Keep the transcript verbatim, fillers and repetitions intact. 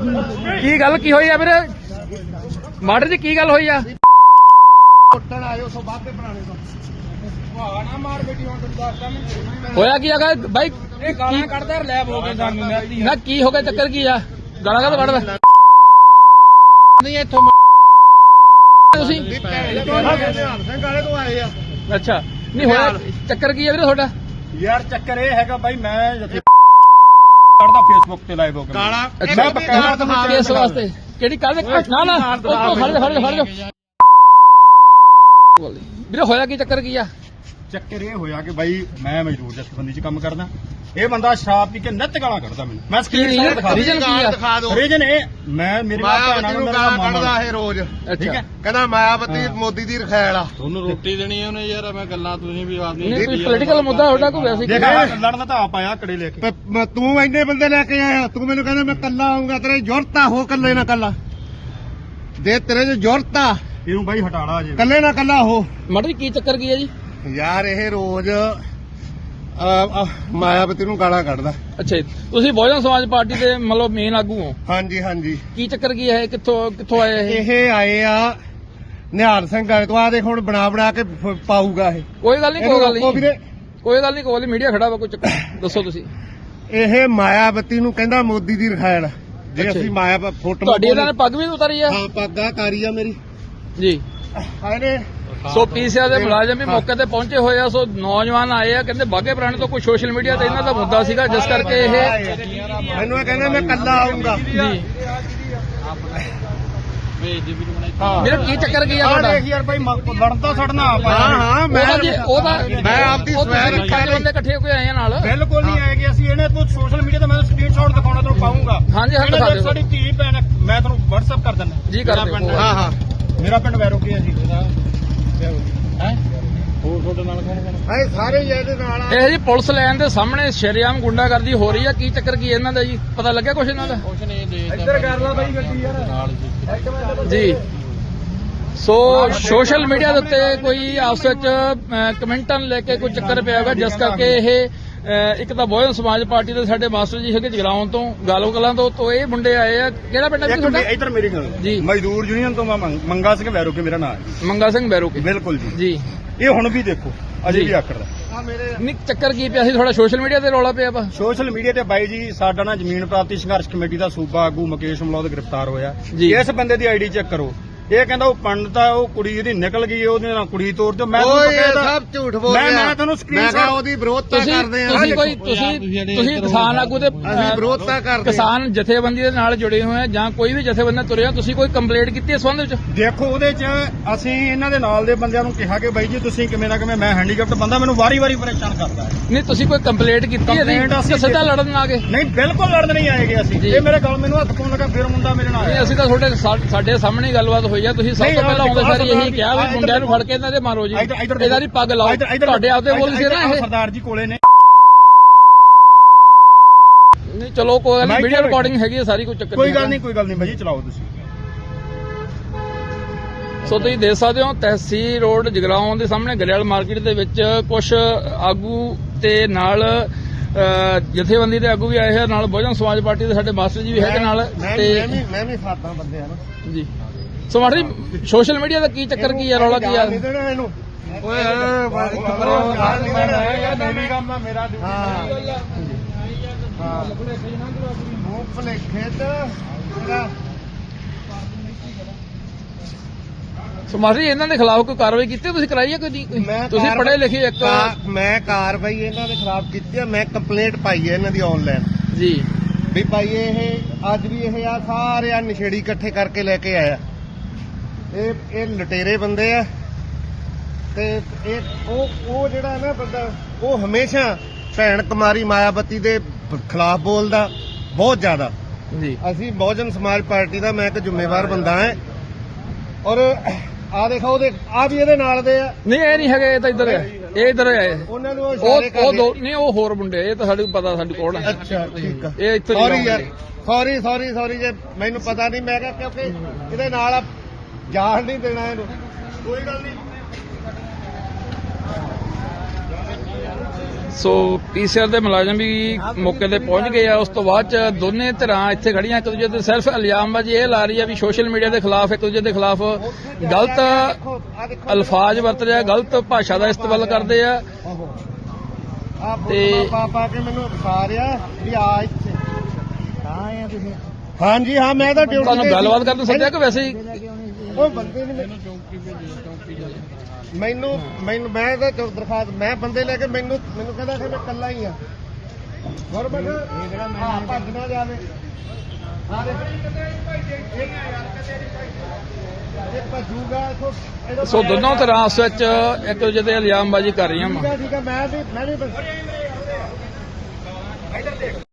ਕੀ ਗੱਲ ਕੀ ਹੋਈ ਆ ਵੀਰੇ ਮਾਡਰ ਜੀ ਕੀ ਗੱਲ ਹੋਈ ਆ ਉੱਟਣ ਆਇਓ ਸੋ ਬਾਅਦ ਦੇ ਪੁਰਾਣੇ ਤੋਂ ਵਾਹ ਨਾ ਮਾਰ ਬੇਟੀ ਹੁਣ ਤੈਨੂੰ ਦੱਸਦਾ ਮੈਂ ਹੋਇਆ ਕੀ ਹੈਗਾ ਬਾਈ ਇਹ ਗਾਲਾਂ ਕੱਢਦਾ ਲੈਬ ਹੋ ਗਏ ਸਾਨੂੰ ਨਾ ਕੀ ਹੋ ਗਿਆ ਚੱਕਰ ਕੀ ਆ ਗਾਲਾਂ ਕਾਹਤੋਂ ਕੱਢਦਾ ਨਹੀਂ ਇੱਥੋਂ ਤੁਸੀਂ ਨਿਹਾਲ ਸਿੰਘ ਵਾਲੇ ਤੋਂ ਆਏ ਆ ਅੱਛਾ ਨਹੀਂ ਹੋਇਆ ਚੱਕਰ ਕੀ ਆ ਵੀਰੇ ਤੁਹਾਡਾ ਯਾਰ ਚੱਕਰ ਇਹ ਹੈਗਾ ਬਾਈ ਮੈਂ ਜਿੱਥੇ ਕੱਢਦਾ ਫੇਸਬੁੱਕ ਤੇ ਲਾਈਵ ਹੋ ਕੇ ਅੱਛਾ ਮੈਂ ਪੱਕਾ ਕਿਸ ਵਾਸਤੇ ਕਿਹੜੀ ਕੱਲ ਨਾ ਨਾ ਉਹ ਖੜ ਜਾ ਖੜ ਜਾ ਖੜ ਜਾ ਵੀਰੇ ਹੋਇਆ ਕੀ ਚੱਕਰ ਕੀ ਆ ਚੱਕਰ ਇਹ ਹੋਇਆ ਕਿ ਬਾਈ ਮੈਂ ਮਜ਼ਦੂਰ ਜਥੇਬੰਦੀ 'ਚ ਕੰਮ ਕਰਦਾ ਇਹ ਬੰਦਾ ਸ਼ਰਾਬ ਪੀ ਕੇ ਨਿੱਤ ਗਾਲਾਂ ਕੱਢਦਾ ਮੈਨੂੰ ਮੈਂ ਸਕਰੀਨ ਸ਼ਾਟ ਦਿਖਾ ਰੀਜਨ ਕੀ ਆ ਰੀਜਨ ਇਹ ਮੈਂ ਮੇਰੀ ਮਾਇਆਵਤੀ ਨੂੰ ਗਾਲਾਂ ਕੱਢਦਾ ਇਹ ਰੋਜ਼ ਠੀਕ ਹੈ ਕਹਿੰਦਾ ਮਾਇਆਵਤੀ ਮੋਦੀ ਦੀ ਰਖੈਲ ਆ ਤੁਹਾਨੂੰ ਰੋਟੀ ਦੇਣੀ ਹੈ ਉਹਨੇ ਯਾਰ ਮੈਂ ਗੱਲਾਂ ਤੁਸੀਂ ਵੀ ਆਪ ਨਹੀਂ ਕੋਈ ਪੋਲੀਟੀਕਲ ਮੁੱਦਾ ਤੁਹਾਡਾ ਕੋਈ ਵੈਸੇ ਦੇਖ ਲੜਨ ਦਾ ਆਪ ਆਇਆ ਕੜੇ ਲੈ ਕੇ ਪ- ਤੂੰ ਇੰਨੇ ਬੰਦੇ ਲੈ ਕੇ ਆਇਆ ਤੂੰ ਮੈਨੂੰ ਕਹਿੰਦਾ ਮੈਂ ਕੱਲਾ ਆਉਂਗਾ ਤੇਰੇ ਜ਼ਰੂਰਤ ਆ ਹੋ ਕੱਲੇ ਨਾ ਕੱਲਾ ਦੇ ਤੇਰੇ ਚ ਜ਼ਰੂਰਤ ਆ ਇਹਨੂੰ ਬਾਈ ਹਟਾੜਾ ਜੇ ਕੱਲੇ ਨਾ ਕੱਲਾ ਹੋ ਮਾਡਰ ਜੀ ਕੀ ਚੱਕਰ ਕੀ ਆ ਜੀ ਯਾਰ ਇਹ ਰੋਜ਼ ਅਹ, ਅਹ, ਮਾਇਆਵਤੀ ਨੂੰ ਗਾਲਾਂ ਕੱਢਦਾ ਅੱਛਾ ਜੀ ਤੁਸੀਂ ਬਹੁਜਨ ਸਮਾਜ ਪਾਰਟੀ ਦੇ ਮਤਲਬ ਮੇਨ ਆਗੂ ਹੋ ਹਾਂਜੀ ਹਾਂਜੀ ਕੀ ਚੱਕਰ ਕੀ ਹੈ ਕਿੱਥੋਂ ਕਿੱਥੋਂ ਆਏ ਇਹ ਇਹ ਆਏ ਆ ਨਿਹਾਲ ਸਿੰਘ ਵਾਲੇ ਤੋਂ ਆ ਦੇਖ ਹੁਣ ਬਣਾ ਬਣਾ ਕੇ ਫ- ਪਾਊਗਾ ਇਹ ਕੋਈ ਗੱਲ ਨਹੀਂ ਕੋਈ ਗੱਲ ਇਹਨੂੰ ਰੋਕੋ ਨਹੀਂ ਵੀਰੇ। ਕੋਈ ਗੱਲ ਨਹੀਂ ਕੋਈ ਮੀਡੀਆ ਖੜਾ ਵਾ ਕੋਈ ਚੱਕਰ ਦੱਸੋ ਤੁਸੀਂ ਇਹ ਮਾਇਆਵਤੀ ਨੂੰ ਕਹਿੰਦਾ ਮੋਦੀ ਦੀ ਰਖੈਲ ਜੇ ਅੱਛਾ ਅਸੀਂ ਜੀ। ਮਾਇਆ ਫੋਟੋ ਤੁਹਾਡੀ ਇਹਨਾਂ ਨੇ ਪੱਗ ਵੀ ਉਤਾਰੀ ਆ ਹਾਂ ਪੱਗਾ ਕਾਰੀ ਆ ਮੇਰੀ ਜੀ ਆਏ ਨੇ ਸੋ ਪੀਸੀਆਰ ਦੇ ਮੁਲਾਜ਼ਮ ਵੀ ਮੌਕੇ ਤੇ ਪਹੁੰਚੇ ਹੋਏ ਆ ਸੋ ਨੌਜਵਾਨ ਆਏ ਆ ਕਹਿੰਦੇ ਬਾਗੇ ਪੁਰਾਣੇ ਤੋਂ ਕੋਈ ਸੋਸ਼ਲ ਮੀਡੀਆ ਤੇ ਇਹਨਾਂ ਦਾ ਮੁੱਦਾ ਸੀਗਾ ਜਿਸ ਕਰਕੇ ਇਹ ਮੈਨੂੰ ਇਹ ਕਹਿੰਦਾ ਮੈਂ ਕੱਲਾ ਆਉਂਗਾ ਜੀ ਹਾਂ ਵੀਰੇ ਕੀ ਚੱਕਰ ਕੀ ਆ ਆ ਤੁਹਾਡਾ ਦੇਖ ਯਾਰ ਬਾਈ ਲੜਨ ਤਾਂ ਸੜਨਾ ਆਪ ਹਾਂ ਹਾਂ ਮੈਂ ਉਹਦਾ ਜੀ ਉਹਦਾ ਮੈਂ ਆਪਦੀ ਉਹ ਤੁਸੀਂ ਸਵੈ ਪੰਜ ਰੱਖਿਆ ਬੰਦੇ ਇਕੱਠੇ ਹੋ ਕੇ ਆਏ ਆ ਨਾਲ ਬਿਲਕੁਲ ਨਹੀਂ ਆਏਗੇ ਅਸੀਂ ਇਹਨੇ ਤੂੰ ਸੋਸ਼ਲ ਮੀਡੀਆ ਤੇ ਮੈਂ ਸਕਰੀਨਸ਼ਾਟ ਦਿਖਾਉਣਾ ਤੈਨੂੰ ਪਾਉਂਗਾ ਹਾਂਜੀ, ਹਾਂ, ਦਿਖਾ ਦਿਓ। ਸਾਡੀ ਧੀ ਭੈਣ ਮੈਂ ਤੁਹਾਨੂੰ WhatsApp ਕਰ ਦਿੰਦਾ ਜੀ ਕਰ ਦਿਓ ਹਾਂ ਹਾਂ ਮੇਰਾ ਪਿੰਡ ਵੈਰੋਕੀ ਹੈ ਜੀ ਹੈ ਹੋਰ ਤੁਹਾਡੇ ਨਾਲ ਕੌਣ ਕੌਣ ਇਹ ਸਾਰੇ ਹੀ ਇਹਦੇ ਨਾਲ ਆ ਇਹ ਜੀ ਪੁਲਿਸ ਲਾਈਨ ਦੇ ਸਾਹਮਣੇ ਸ਼ਰੇਆਮ ਗੁੰਡਾਗਰਦੀ ਹੋ ਰਹੀ ਆ ਕੀ ਚੱਕਰ ਕੀ ਇਹਨਾਂ ਦਾ ਜੀ ਪਤਾ ਲੱਗਿਆ ਕੁਛ ਇਹਨਾਂ ਦਾ ਕੁਛ ਨਹੀਂ ਦੇ ਇੱਧਰ ਕਰ ਲਾ ਬਾਈ ਗੱਡੀ ਯਾਰ ਨਾਲ ਜੀ ਜੀ ਸੋ ਸੋਸ਼ਲ ਮੀਡੀਆ ਦੇ ਉੱਤੇ ਕੋਈ ਆਪਸ ਵਿੱਚ ਅਹ, ਕਮੈਂਟਾਂ ਨੂੰ ਲੈ ਕੇ ਕੋਈ ਚੱਕਰ ਪਿਆ ਹੋਗਾ ਜਿਸ ਕਰਕੇ ਇਹ ਅਹ, ਇੱਕ ਤਾਂ ਬਹੁਜਨ ਸਮਾਜ ਪਾਰਟੀ ਦੇ ਸਾਡੇ ਮਾਸਟਰ ਜੀ ਹੈਗੇ ਜਗਰਾਉਂ ਤੋਂ ਗਾਲੋ ਕਲਾਂ ਤੋਂ ਤੋਂ ਇਹ ਮੁੰਡੇ ਆਏ ਆ ਕਿਹੜਾ ਪਿੰਡ ਹੈ ਜੀ ਇੱਕ ਤੁਹਾਡਾ ਇੱਧਰ ਮੇਰੀ ਗੱਲ ਜੀ। ਮਜ਼ਦੂਰ ਯੂਨੀਅਨ ਤੋਂ ਮੈਂ ਮੰਗ- ਮੰਗਾ ਸਿੰਘ ਵੈਰੋਕੀ ਮੇਰਾ ਨਾਮ ਹੈ ਮੰਗਾ ਸਿੰਘ ਬੈਰੋਕੇ ਬਿਲਕੁਲ ਜੀ ਜੀ ਇਹ ਹੁਣ ਵੀ ਦੇਖੋ ਅਜੇ ਜੀ। ਵੀ ਆਕੜਦਾ ਆ ਮੇਰੇ ਨਹੀਂ ਚੱਕਰ ਕੀ ਪਿਆ ਸੀ ਥੋੜਾ ਸੋਸ਼ਲ ਮੀਡੀਆ ਤੇ ਰੌਲਾ ਪਿਆ ਵਾ ਸੋਸ਼ਲ ਮੀਡੀਆ ਤੇ ਬਾਈ ਜੀ ਸਾਡਾ ਨਾ ਜ਼ਮੀਨ ਪ੍ਰਾਪਤੀ ਸੰਘਰਸ਼ ਕਮੇਟੀ ਦਾ ਸੂਬਾ ਆਗੂ ਮੁਕੇਸ਼ ਮਲੌਦ ਗ੍ਰਿਫਤਾਰ ਹੋਇਆ ਜੀ। ਇਸ ਬੰਦੇ ਦੀ ਆਈਡੀ ਚੈੱਕ ਕਰੋ ਇਹ ਕਹਿੰਦਾ ਉਹ ਪੰਡਤ ਆ ਉਹ ਕੁੜੀ ਇਹਦੀ ਨਿਕਲ ਗਈ ਉਹਦੇ ਨਾਲ ਕੁੜੀ ਤੋਰ ਦਿਓ ਮੈਂ ਤੁਹਾਨੂੰ ਓਏ ਇਹ ਕਹਿੰਦਾ- ਸਭ ਝੂਠ ਬੋਲ ਮੈਂ ਰਿਹਾ ਮੈਂ ਤੁਹਾਨੂੰ ਮੈਂ ਕਿਹਾ screenshot- ਉਹਦੀ ਵਿਰੋਧਤਾ ਤੁਸੀਂ ਕਰਦੇ ਆ ਤੁਸੀਂ ਕੋਈ ਤੁਸੀਂ ਤੁਸੀਂ ਕਿਸਾਨ ਆਗੂ ਦੇ ਅਸੀਂ ਅਹ, ਵਿਰੋਧਤਾ ਕਰਦੇ ਕਿਸਾਨ ਜਥੇਬੰਦੀ ਦੇ ਨਾਲ ਜੁੜੇ ਹੋਏ ਆ ਜਾਂ ਕੋਈ ਵੀ ਜਥੇਬੰਦੀ ਤੁਰਿਆ ਤੁਸੀਂ ਕੋਈ ਕੰਪਲੇਂਟ ਕੀਤੀ ਇਸ ਸੰਬੰਧ ਵਿੱਚ ਦੇਖੋ ਉਹਦੇ ਚ ਅਸੀਂ ਇਹਨਾਂ ਦੇ ਨਾਲ ਦੇ ਬੰਦਿਆਂ ਨੂੰ ਕਿਹਾ ਕਿ ਬਾਈ ਜੀ ਤੁਸੀਂ ਕਿਵੇਂ ਨਾ ਕਿਵੇਂ ਮੈਂ ਹੈਂਡੀਕੈਪਟ ਬੰਦਾ ਮੈਨੂੰ ਵਾਰੀ-ਵਾਰੀ ਪਰੇਸ਼ਾਨ ਕਰਦਾ ਹੈ ਨਹੀਂ ਤੁਸੀਂ ਕੋਈ ਕੰਪਲੇਂਟ ਕੀਤੀ ਹੈ Complaint ਅਸੀਂ ਸਿੱਧਾ ਲੜਨ ਆ ਗਏ ਨਹੀਂ ਬਿਲਕੁਲ ਲੜਨ ਨਹੀਂ ਆਏਗੇ ਅਸੀਂ ਜੀ। ਇਹ ਮੇਰੇ ਗੱਲ ਮੈਨੂੰ ਹੱਥ ਪਾਉਣ ਲੱਗਾ ਫਿਰ ਮੁੰਡਾ ਮੇਰੇ ਨਾਲ ਨਹੀਂ ਆਇਆ ਅਸੀਂ ਤਾਂ ਤੁਹਾਡੇ ਸਾ- ਸਾਡੇ ਸਾਹਮਣੇ ਹੀ ਗੱਲਬਾਤ ਹੋਈ ਆ ਤੁਸੀਂ ਸਭ ਨਹੀਂ, ਤੋਂ ਪਹਿਲਾਂ ਆਉਂਦੇ ਸਾਰੀ ਇਹੀ ਕਿਹਾ ਵੀ ਇੱਧਰ ਮੁੰਡਿਆਂ ਨੂੰ ਫੜ ਕੇ ਇਹਨਾਂ ਦੇ ਮਾਰੋ ਜੀ ਇੱਧਰ- ਇੱਧਰ ਇਹਦਾ ਦੀ ਪੱਗ ਲਾਓ ਇੱਧਰ- ਇੱਧਰ- ਤੁਹਾਡੇ ਆਪਦੇ ਬੋਲ ਸੀ ਨਾ ਇੱਧਰ ਇਹ ਸਰਦਾਰ ਜੀ ਕੋਲੇ ਨੇ ਨਹੀਂ ਚਲੋ ਕੋਈ ਗੱਲ ਮੈਂ ਨਹੀਂ ਵੀਡੀਓ ਕਿਹਾ- ਰਿਕਾਰਡਿੰਗ ਹੈਗੀ ਹੈ ਸਾਰੀ ਕੋਈ ਚੱਕਰ ਕੋਈ ਗੱਲ ਨਹੀਂ ਕੋਈ ਗੱਲ ਨਹੀਂ ਭਾਜੀ ਚਲਾਓ ਤੁਸੀਂ ਸੋ ਤੁਸੀਂ ਦੇਖ ਸਕਦੇ ਹੋ ਤਹਿਸੀਲ ਰੋਡ ਜਗਰਾਉਂ ਦੇ ਸਾਹਮਣੇ ਗਰੇਵਾਲ ਮਾਰਕੀਟ ਦੇ ਵਿੱਚ ਕੁਝ ਆਗੂ ਤੇ ਨਾਲ ਅਹ, ਜਥੇਬੰਦੀ ਦੇ ਆਗੂ ਵੀ ਆਏ ਹੋਏ ਨਾਲ ਬਹੁਜਨ ਸਮਾਜ ਪਾਰਟੀ ਦੇ ਸਾਡੇ ਮਾਸਟਰ ਜੀ ਵੀ ਹੈਗੇ ਨਾਲ ਮੈਂ ਮੈਂ ਤੇ ਵੀ ਮੈਂ ਵੀ ਸਾਥਾਂ ਬੰਦਿਆਂ ਨੂੰ ਜੀ ਸੋ ਮਾਸਟਰ ਜੀ ਸੋਸ਼ਲ ਮੀਡੀਆ ਦਾ ਕੀ ਚੱਕਰ ਕੀ ਹੈ ਰੌਲਾ ਕੀ ਆ ਨਹੀਂ ਦੇਣਾ ਇਹਨੂੰ ਓਏ ਮੇਰੀ ਕੰਮ ਆ ਮੇਰਾ ਹਾਂ ਹਾਂ ਮੂੰਹ ਭਲੇਖੇ ਤੇ ਮੇਰਾ ਸੋ ਮਾਸਟਰ ਜੀ ਇਹਨਾਂ ਦੇ ਖਿਲਾਫ ਕੋਈ ਕਾਰਵਾਈ ਕੀਤੀ ਤੁਸੀਂ ਕਰਾਈ ਹੈ ਕੋਈ ਨਹੀਂ ਕੋਈ? ਮੈਂ ਤੁਸੀਂ ਕਾਰਵਾਈ- ਪੜ੍ਹੇ ਲਿਖੇ ਇੱਕ ਕਾ- ਮੈਂ ਕਾਰਵਾਈ ਇਹਨਾਂ ਦੇ ਖਿਲਾਫ ਕੀਤੀ ਆ ਮੈਂ ਕੰਪਲੇਂਟ ਪਾਈ ਹੈ ਇਹਨਾਂ ਦੀ ਆਨਲਾਈਨ ਜੀ ਵੀ ਭਾਈ ਇਹ ਅੱਜ ਵੀ ਇਹ ਆ ਸਾਰੇ ਆ ਨਸ਼ੇੜੀ ਇਕੱਠੇ ਕਰਕੇ ਲੈ ਕੇ ਆਇਆ ਇਹ ਇਹ ਲਟੇਰੇ ਬੰਦੇ ਆ ਤੇ ਇਹ ਉਹ ਉਹ ਜਿਹੜਾ ਨਾ ਬੰਦਾ ਉਹ ਹਮੇਸ਼ਾ ਭੈਣ ਕੁਮਾਰੀ ਮਾਇਆਵਤੀ ਦੇ ਖਿਲਾਫ ਬੋਲਦਾ ਬਹੁਤ ਜ਼ਿਆਦਾ ਜੀ ਅਸੀਂ ਬਹੁਜਨ ਸਮਾਜ ਪਾਰਟੀ ਦਾ ਮੈਂ ਇੱਕ ਜ਼ਿੰਮੇਵਾਰ ਬੰਦਾ ਹਾਂ ਔਰ ਆ ਦੇਖੋ ਉਹਦੇ ਆ ਵੀ ਇਹਦੇ ਨਾਲ ਦੇ ਆ ਨਹੀਂ ਇਹ ਨਹੀਂ ਹੈਗੇ ਇਹ ਤਾਂ ਇੱਧਰ ਹੈ ਇਹ ਇੱਧਰ ਆਏ ਉਹਨਾਂ ਨੂੰ ਉਹ ਉਹ ਇਸ਼ਾਰੇ ਉਹ ਕਰਦੇ ਦੋ ਨਹੀਂ ਉਹ ਹੋਰ ਮੁੰਡੇ ਇਹ ਤਾਂ ਸਾਨੂੰ ਪਤਾ ਸਾਡੀ ਕੋਲ ਹੈ ਅੱਛਾ ਠੀਕ ਆ ਇਹ ਇੱਥੇ ਸੌਰੀ ਨਹੀਂ ਯਾਰ ਆਉਂਦੇ। ਸੌਰੀ ਸੌਰੀ ਸੌਰੀ ਜੇ ਮੈਨੂੰ ਪਤਾ ਨਹੀਂ ਮੈਂ ਕਿਹਾ ਕਿਉਂਕਿ ਇਹਦੇ ਨਾਲ ਆ ਜਾਣ ਨਹੀਂ ਦੇਣਾ ਇਹਨੂੰ ਕੋਈ ਗੱਲ ਨਹੀਂ ਸੋ ਪੀਸੀਆਰ ਦੇ ਮੁਲਾਜ਼ਮ ਵੀ ਮੌਕੇ ਤੇ ਪਹੁੰਚ ਗਏ ਆ। ਉਸ ਤੋਂ ਬਾਅਦ ਚ ਦੋਨੇ ਧਿਰਾਂ ਇੱਥੇ ਖੜੀਆਂ ਇੱਕ ਦੂਜੇ ਤੇ ਸਿਰਫ ਇਲਜ਼ਾਮਬਾਜ਼ੀ ਇਹ ਲਾ ਰਹੀ ਆ ਵੀ ਸੋਸ਼ਲ ਮੀਡੀਆ ਦੇ ਖਿਲਾਫ ਇੱਕ ਦੂਜੇ ਦੇ ਖਿਲਾਫ ਗਲਤ ਅਲਫਾਜ਼ ਵਰਤ ਰਿਹਾ, ਗਲਤ ਭਾਸ਼ਾ ਦਾ ਇਸਤੇਮਾਲ ਕਰਦੇ ਆ। ਆ ਤੇ- ਪਾ ਪਾ ਕੇ ਮੈਨੂੰ ਦਿਖਾ ਰਿਹਾ ਵੀ ਆ ਇੱਥੇ ਆਏ ਆ ਤੁਸੀਂ। ਹਾਂਜੀ ਹਾਂ ਮੈਂ ਤਾਂ ਡਿਊਟੀ ਤੁਹਾਨੂੰ ਤੇ ਸੀ। ਗੱਲਬਾਤ ਕਰਨ ਸੱਦਿਆ ਕਿ ਵੈਸੇ ਹੀ ਉਹ ਬੰਦੇ ਨੇ ਮੈਨੂੰ ਚੌਂਕੀ ਭੇਜੀ ਚੌਂਕੀ ਮੈਨੂੰ ਮੈਨੂੰ ਮੈਂ ਤਾਂ ਚੌ- ਦਰਖਾਸਤ ਮੈਂ ਬੰਦੇ ਲੈ ਕੇ ਮੈਨੂੰ ਮੈਨੂੰ ਕਹਿੰਦਾ ਕਿ ਮੈਂ ਇਕੱਲਾ ਹੀ ਆ ਗੁਰਮਖ ਆ ਭੱਜ ਨਾ ਜਾਵੇ ਆ ਦੇ ਇਹ ਭੱਜੂਗਾ ਇੱਥੋਂ ਇਹਦਾ ਸੋ ਦੋਨੋਂ ਧਿਰਾਂ ਆਪਸ ਵਿੱਚ ਇੱਕ ਦੂਜੇ ਤੇ ਇਲਜ਼ਾਮਬਾਜ਼ੀ ਕਰ ਰਹੀਆਂ ਠੀਕ ਵਾ। ਆ ਠੀਕ ਆ ਮੈਂ ਵੀ ਮੈਂ ਵੀ ਬਸ